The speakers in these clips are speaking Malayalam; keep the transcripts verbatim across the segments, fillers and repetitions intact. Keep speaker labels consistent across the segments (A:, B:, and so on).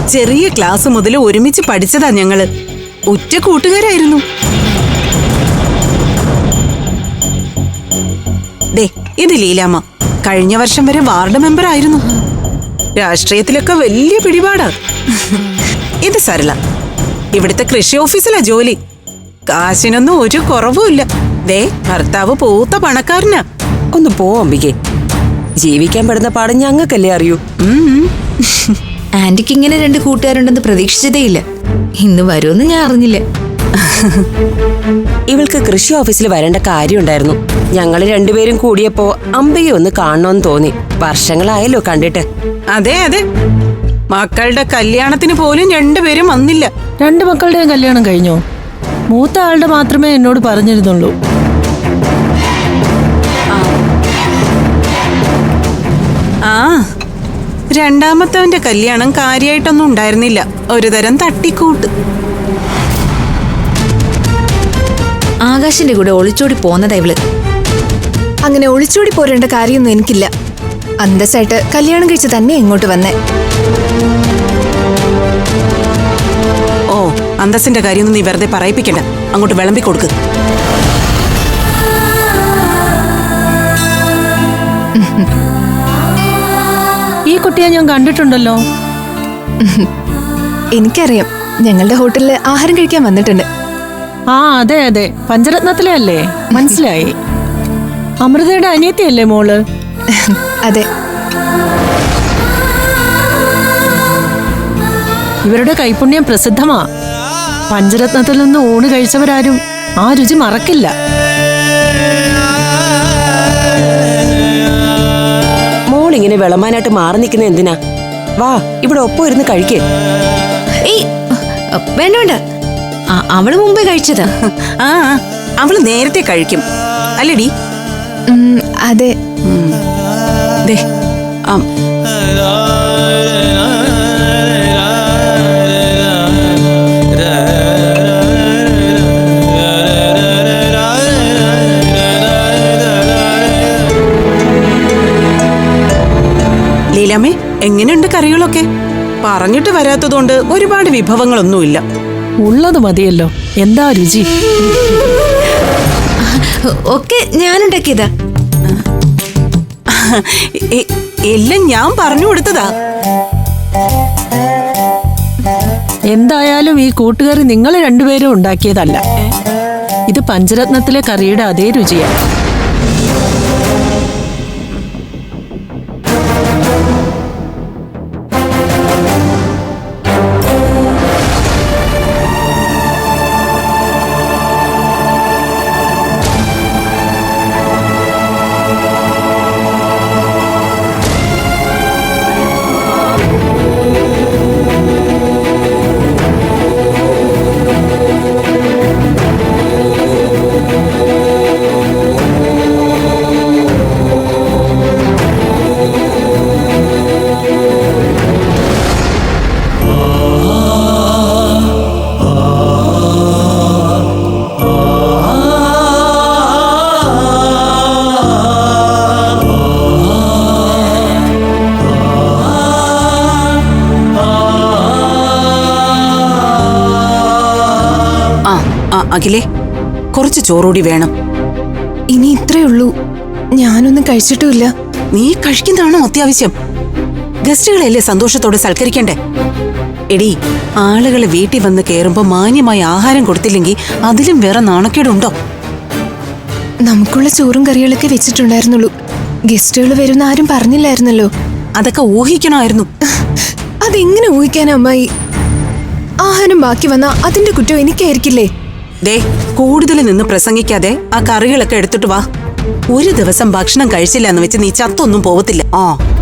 A: ചെറിയ ക്ലാസ് മുതൽ ഒരുമിച്ച് പഠിച്ചതാ ഞങ്ങള്. ഉറ്റ കൂട്ടുകാരായിരുന്നു. ദേ ഇത് ലീലാമ്മ. കഴിഞ്ഞ വർഷം വരെ വാർഡ് മെമ്പർ ആയിരുന്നു. രാഷ്ട്രീയത്തിലൊക്കെ വലിയ പിടിപാടാ. ഇത് സരള. ഇവിടുത്തെ കൃഷി ഓഫീസിലാ ജോലി. കാശിനൊന്നും ഒരു കുറവുമില്ല. ദേ ഭർത്താവ് പൂത്ത പണക്കാരനാ.
B: ഒന്ന് പോ അംബികെ. ജീവിക്കാൻ പെടുന്ന പാഠം ഞങ്ങൾക്കല്ലേ അറിയൂ.
C: ആന്റിക്ക് ഇങ്ങനെ രണ്ട് കൂട്ടുകാരുണ്ടെന്ന് പ്രതീക്ഷിച്ചതേയില്ല. ഇന്ന് വരുമെന്ന് ഞാൻ അറിഞ്ഞില്ല.
B: ഇവൾക്ക് കൃഷി ഓഫീസിൽ വരേണ്ട കാര്യമുണ്ടായിരുന്നു. ഞങ്ങള് രണ്ടുപേരും കൂടിയപ്പോ അംബികയെ ഒന്ന് കാണണമെന്ന് തോന്നി. വർഷങ്ങളായല്ലോ കണ്ടിട്ട്.
A: അതെ അതെ, മക്കളുടെ കല്യാണത്തിന് പോലും രണ്ടുപേരും വന്നില്ല.
D: രണ്ട് മക്കളുടെയും കല്യാണം കഴിഞ്ഞോ? മൂത്ത ആളുടെ മാത്രമേ എന്നോട് പറഞ്ഞിരുന്നുള്ളൂ.
A: ആ രണ്ടാമത്തവന്റെ കല്യാണം കാര്യമായിട്ടൊന്നും ഉണ്ടായിരുന്നില്ല. ഒരു തരം തട്ടിക്കൂട്ട്.
C: ആകാശിന്റെ കൂടെ ഒളിച്ചോടി പോന്നതാ ഇവള്.
E: അങ്ങനെ ഒളിച്ചോടി പോരേണ്ട കാര്യമൊന്നും എനിക്കില്ല. അന്തസ്സായിട്ട് കല്യാണം കഴിച്ച് തന്നെ ഇങ്ങോട്ട് വന്നേ.
A: ഓ, അന്തസ്സിന്റെ കാര്യമൊന്നും നീ വെറുതെ പറയിപ്പിക്കണ്ട. അങ്ങോട്ട് വിളമ്പി കൊടുക്ക്.
D: ഈ കുട്ടിയെ ഞാൻ കണ്ടിട്ടുണ്ടല്ലോ.
E: എനിക്കറിയാം, ഞങ്ങളുടെ ഹോട്ടലിൽ ആഹാരം കഴിക്കാൻ വന്നിട്ടുണ്ട്.
D: ആ അതെ അതെ, പഞ്ചരത്നത്തിലെ അല്ലേ? മനസ്സിലായി. അമൃതയുടെ അനിയത്തിയല്ലേ മോള്?
E: അതെ.
D: ഇവരുടെ കൈപുണ്യം പ്രസിദ്ധമാ. പഞ്ചരത്നത്തിൽ നിന്ന് ഊണ് കഴിച്ചവരാരും ആ രുചി മറക്കില്ല.
B: മോളിങ്ങനെ വിളമ്പാനായിട്ട് മാറി നിൽക്കുന്ന എന്തിനാ? വാ, ഇവിടെ ഒപ്പം ഇരുന്ന് കഴിക്കേ.
C: ഏയ് വേണ്ട വേണ്ട, അവള് മുമ്പേ കഴിച്ചതാ.
A: ആ അവള് നേരത്തെ കഴിക്കും അല്ലേടി?
E: അതെ.
A: ദേ ആ ലീലാമ്മേ, എങ്ങനെയുണ്ട് കറികളൊക്കെ? പറഞ്ഞിട്ട് വരാത്തതുകൊണ്ട് ഒരുപാട് വിഭവങ്ങളൊന്നുമില്ല.
D: ഉള്ളത് മതിയല്ലോ. എന്താ രുചി?
C: ഒക്കെ ഞാനുണ്ടാക്കിയതാ.
A: എല്ലാം ഞാൻ പറഞ്ഞു കൊടുത്തതാ.
D: എന്തായാലും ഈ കൂട്ടുകറി നിങ്ങൾ രണ്ടുപേരും ഉണ്ടാക്കിയതല്ല. ഇത് പഞ്ചരത്നത്തിലെ കറിയുടെ അതേ രുചിയാണ്.
A: അഖിലേ, കുറച്ച് ചോറൂടി വേണം.
E: ഇനി ഇത്രേ ഉള്ളൂ. ഞാനൊന്നും കഴിച്ചിട്ടുമില്ല.
A: നീ കഴിക്കുന്നതാണോ അത്യാവശ്യം? ഗസ്റ്റുകളെയല്ലേ സന്തോഷത്തോടെ സൽക്കരിക്കണ്ടേ? എടി, ആളുകളെ വീട്ടിൽ വന്ന് കയറുമ്പോ മാന്യമായ ആഹാരം കൊടുത്തില്ലെങ്കിൽ അതിലും വേറെ നാണക്കേടുണ്ടോ?
E: നമുക്കുള്ള ചോറും കറികളൊക്കെ വെച്ചിട്ടുണ്ടായിരുന്നുള്ളൂ. ഗസ്റ്റുകൾ വരുന്ന ആരും പറഞ്ഞില്ലായിരുന്നല്ലോ.
A: അതൊക്കെ ഊഹിക്കണമായിരുന്നു.
E: അതെങ്ങനെ ഊഹിക്കാനാ അമ്മായി? ആഹാരം ബാക്കി വന്നാ അതിന്റെ കുറ്റം എനിക്കായിരിക്കില്ലേ?
A: ദേ, കൂടുതൽ നിന്ന് പ്രസംഗിക്കാതെ ആ കറികളൊക്കെ എടുത്തിട്ട് വാ. ഒരു ദിവസം ഭക്ഷണം കഴിച്ചില്ല എന്ന് വെച്ച് നീ ചത്തൊന്നും പോവത്തില്ല. ആ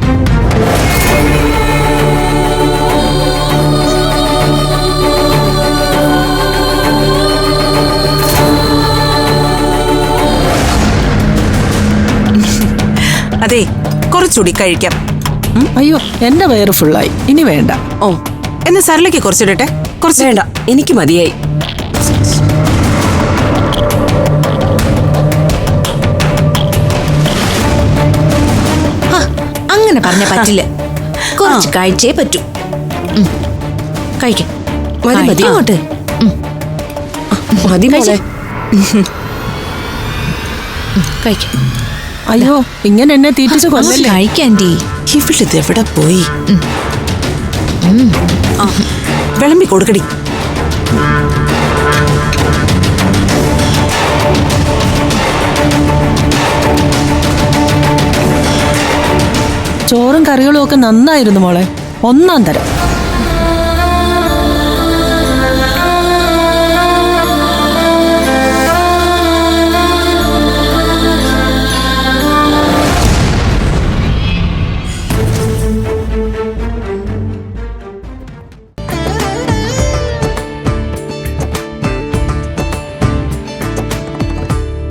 A: അതെ, കുറച്ചുകൂടി കഴിക്കാം.
D: അയ്യോ, എന്റെ വയറ് ഫുള്ളായി. ഇനി വേണ്ട.
A: ഓ, എന്നാ സരളയ്ക്ക് കുറച്ചിടട്ടെ? കുറച്ച്
B: വേണ്ട, എനിക്ക് മതിയായി.
C: അങ്ങനെ പറഞ്ഞ പറ്റില്ല. കുറച്ച് കഴിച്ചേ പറ്റൂ.
B: കഴിക്കാം മതി മതി
C: അങ്ങോട്ട്
B: മതി മോളെ
C: കഴിക്കാം
D: അയ്യോ ഇങ്ങനെ എന്നെ തീറ്റിച്ച് കൊല്ലല്ലേ.
C: കഴിക്കാൻറ്റി.
A: ഇവിളിത് എവിടെ പോയി? ആ വിളമ്പി കൊടുക്കടി.
D: ചോറും കറികളും ഒക്കെ നന്നായിരുന്നു മോളെ, ഒന്നാം തരം.